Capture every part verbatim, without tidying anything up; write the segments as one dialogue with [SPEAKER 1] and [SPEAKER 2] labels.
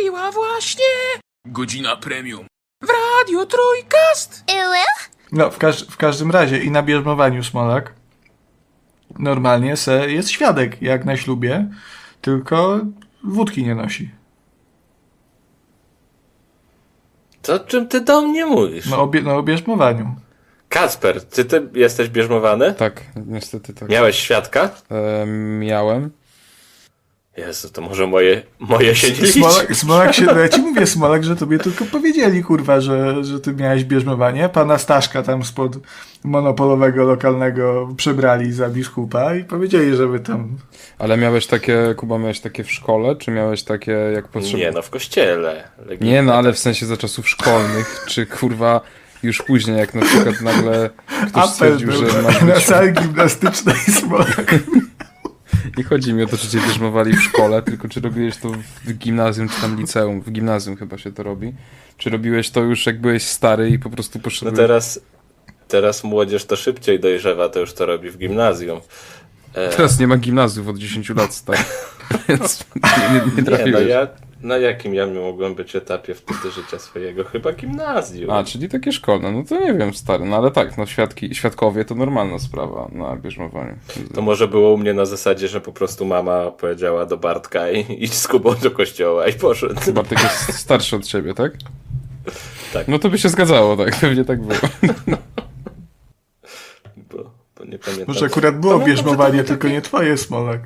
[SPEAKER 1] Nastąpiła właśnie godzina premium w Radio Trójkast.
[SPEAKER 2] No, w, każ w każdym razie i na bierzmowaniu Smolak normalnie se jest świadek, jak na ślubie, tylko wódki nie nosi.
[SPEAKER 3] To o czym ty do mnie mówisz?
[SPEAKER 2] No, obie no o bierzmowaniu.
[SPEAKER 3] Kacper, czy ty jesteś bierzmowany?
[SPEAKER 4] Tak, niestety tak.
[SPEAKER 3] Miałeś świadka?
[SPEAKER 4] E, miałem.
[SPEAKER 3] Jezu, to może moje, moje się nie liczy.
[SPEAKER 2] Smolak, Smolak się, no ja ci mówię, Smolak, że tobie tylko powiedzieli, kurwa, że, że ty miałeś bierzmowanie. Pana Staszka tam spod monopolowego lokalnego przebrali za biskupa i powiedzieli, żeby tam...
[SPEAKER 4] Ale miałeś takie, Kuba, miałeś takie w szkole, czy miałeś takie jak potrzebne?
[SPEAKER 3] Nie no, w kościele. Legitne.
[SPEAKER 4] Nie no, ale w sensie za czasów szkolnych, czy kurwa już później, jak na przykład nagle ktoś
[SPEAKER 2] Apel
[SPEAKER 4] stwierdził,
[SPEAKER 2] był
[SPEAKER 4] że masz
[SPEAKER 2] na
[SPEAKER 4] być...
[SPEAKER 2] sali gimnastycznej Smolak.
[SPEAKER 4] Nie chodzi mi o to, czy cię bierzmowali w szkole, tylko czy robiłeś to w gimnazjum, czy tam liceum. W gimnazjum chyba się to robi. Czy robiłeś to już jak byłeś stary i po prostu
[SPEAKER 3] No
[SPEAKER 4] poszedłeś...
[SPEAKER 3] teraz, teraz młodzież to szybciej dojrzewa, to już to robi w gimnazjum. E...
[SPEAKER 4] Teraz nie ma gimnazjów od dziesięciu lat, stary. Więc nie, nie, nie
[SPEAKER 3] Nie, no
[SPEAKER 4] trafiłeś.
[SPEAKER 3] ja, na jakim ja mogłem być etapie wtedy życia swojego? Chyba gimnazjum.
[SPEAKER 4] A, czyli takie szkolne. No to nie wiem, stary. No ale tak, no świadki, świadkowie to normalna sprawa na bierzmowaniu.
[SPEAKER 3] To może było u mnie na zasadzie, że po prostu mama powiedziała do Bartka i idź z Kubą do kościoła i poszedł.
[SPEAKER 4] Bartek jest starszy od ciebie, tak?
[SPEAKER 3] Tak.
[SPEAKER 4] No to by się zgadzało, tak. Pewnie tak było.
[SPEAKER 3] Bo, bo nie pamiętam.
[SPEAKER 2] Może akurat było
[SPEAKER 3] Pamiętam,
[SPEAKER 2] bierzmowanie,
[SPEAKER 3] że to był
[SPEAKER 2] tylko
[SPEAKER 3] taki,
[SPEAKER 2] nie twoje, Smolak.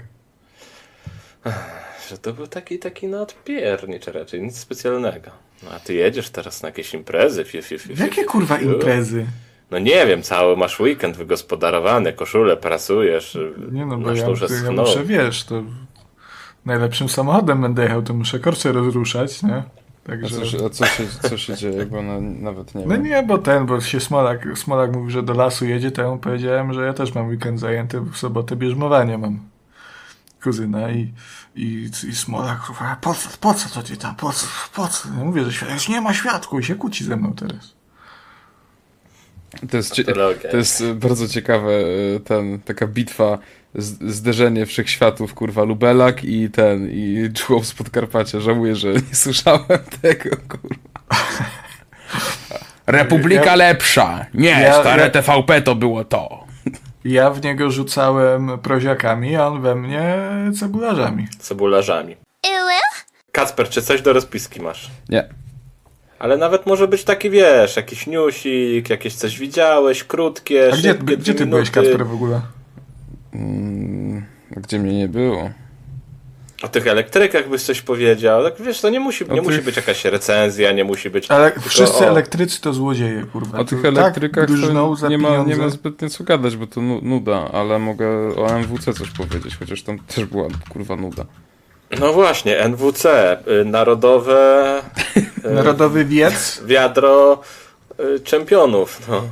[SPEAKER 3] Że to był taki, taki no odpiernicz raczej, nic specjalnego. No a ty jedziesz teraz na jakieś imprezy. Fiu, fiu, fiu, fiu,
[SPEAKER 2] Jakie
[SPEAKER 3] fiu,
[SPEAKER 2] kurwa
[SPEAKER 3] fiu.
[SPEAKER 2] imprezy?
[SPEAKER 3] No nie wiem, cały masz weekend wygospodarowany, koszulę prasujesz,
[SPEAKER 2] Nie no, bo
[SPEAKER 3] masz
[SPEAKER 2] ja,
[SPEAKER 3] duże
[SPEAKER 2] to ja
[SPEAKER 3] snu.
[SPEAKER 2] muszę, wiesz, to najlepszym samochodem będę jechał, to muszę korce rozruszać, nie?
[SPEAKER 4] A
[SPEAKER 2] Także...
[SPEAKER 4] co, się- a co, się, co się dzieje, bo no, nawet nie
[SPEAKER 2] No
[SPEAKER 4] wiem.
[SPEAKER 2] nie, bo ten, bo się Smolak, Smolak mówi, że do lasu jedzie, to ja mu powiedziałem, że ja też mam weekend zajęty, w sobotę bierzmowanie mam kuzyna i, i, i Smolak, kurwa, po co, po co to ty tam, po co, po co? Ja mówię, że świadek, nie ma świadku i się kłóci ze mną teraz.
[SPEAKER 4] To jest, cie-
[SPEAKER 3] Patologia.
[SPEAKER 4] to jest e, bardzo ciekawe, e, ten, taka bitwa, z, zderzenie wszechświatów, kurwa, Lubelak i ten, i Człowiek z Podkarpacia. Żałuję, że nie słyszałem tego, kurwa. Republika
[SPEAKER 2] Ja-
[SPEAKER 4] lepsza! Nie,
[SPEAKER 2] Ja-
[SPEAKER 4] stare
[SPEAKER 2] ja-
[SPEAKER 4] T V P to było to.
[SPEAKER 2] Ja w niego rzucałem proziakami, a on we mnie cebularzami.
[SPEAKER 3] Cebularzami. Kacper, czy coś do rozpiski masz?
[SPEAKER 4] Nie.
[SPEAKER 3] Ale nawet może być taki, wiesz, jakiś newsik, jakieś coś widziałeś, krótkie,
[SPEAKER 2] A gdzie,
[SPEAKER 3] szybkie,
[SPEAKER 2] gdzie ty
[SPEAKER 3] dwie
[SPEAKER 2] byłeś,
[SPEAKER 3] minuty.
[SPEAKER 2] Kacper, w ogóle?
[SPEAKER 4] Mm, gdzie mnie nie było?
[SPEAKER 3] O tych elektrykach byś coś powiedział. Tak, wiesz, to nie musi, nie
[SPEAKER 4] O
[SPEAKER 3] musi
[SPEAKER 4] tych-
[SPEAKER 3] być jakaś recenzja, nie musi być...
[SPEAKER 2] Ale
[SPEAKER 3] tylko
[SPEAKER 2] wszyscy
[SPEAKER 3] o-
[SPEAKER 2] elektrycy to złodzieje, kurwa.
[SPEAKER 4] O
[SPEAKER 2] To
[SPEAKER 4] tych elektrykach
[SPEAKER 2] tak drżną
[SPEAKER 4] to
[SPEAKER 2] za
[SPEAKER 4] nie ma, nie ma
[SPEAKER 2] pieniądze.
[SPEAKER 4] zbytnio co gadać, bo to nu- nuda, ale mogę o M W C coś powiedzieć, chociaż tam też była kurwa nuda.
[SPEAKER 3] No właśnie, N W C, y, Narodowe... y,
[SPEAKER 2] Narodowy wiec.
[SPEAKER 3] Wiadro y, czempionów, no.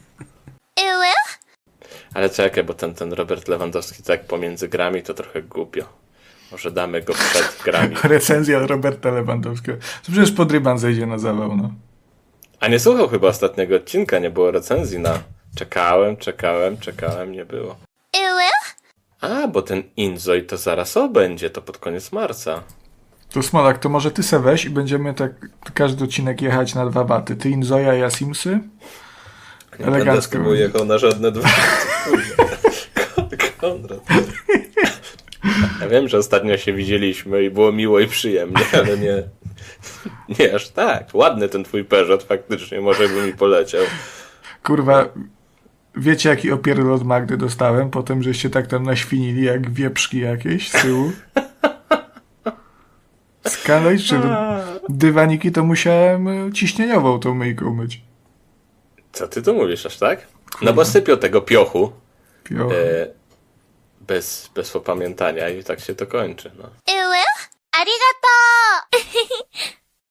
[SPEAKER 3] Ale czekaj, bo ten, ten Robert Lewandowski tak pomiędzy grami to trochę głupio. Może damy go przed grami.
[SPEAKER 2] Recenzja Roberta Lewandowskiego. To przecież podryban zejdzie na zawał, no.
[SPEAKER 3] A nie słuchał chyba ostatniego odcinka, nie było recenzji na... Czekałem, czekałem, czekałem, nie było. A, bo ten Inzoi to zaraz o będzie, to pod koniec marca.
[SPEAKER 2] To Smolak, to może ty se weź i będziemy tak każdy odcinek jechać na dwa baty. Ty Inzoja, ja Simsy.
[SPEAKER 3] Nie
[SPEAKER 2] Elegancko.
[SPEAKER 3] będę z tobą jechał na żadne dwa. Konrad. Ja wiem, że ostatnio się widzieliśmy i było miło i przyjemnie, ale nie... Nie aż tak. Ładny ten twój Peugeot faktycznie, może by mi poleciał.
[SPEAKER 2] Kurwa, wiecie jaki opierdol od Magdy dostałem? Potem, żeście tak tam naświnili jak wieprzki jakieś z tyłu. Skandal, czy dywaniki to musiałem ciśnieniową tą myjką myć.
[SPEAKER 3] Co ty tu mówisz, aż tak? No bo sypią tego piochu
[SPEAKER 2] Pio.
[SPEAKER 3] e, bez, bez opamiętania i tak się to kończy, no.
[SPEAKER 5] ありがとう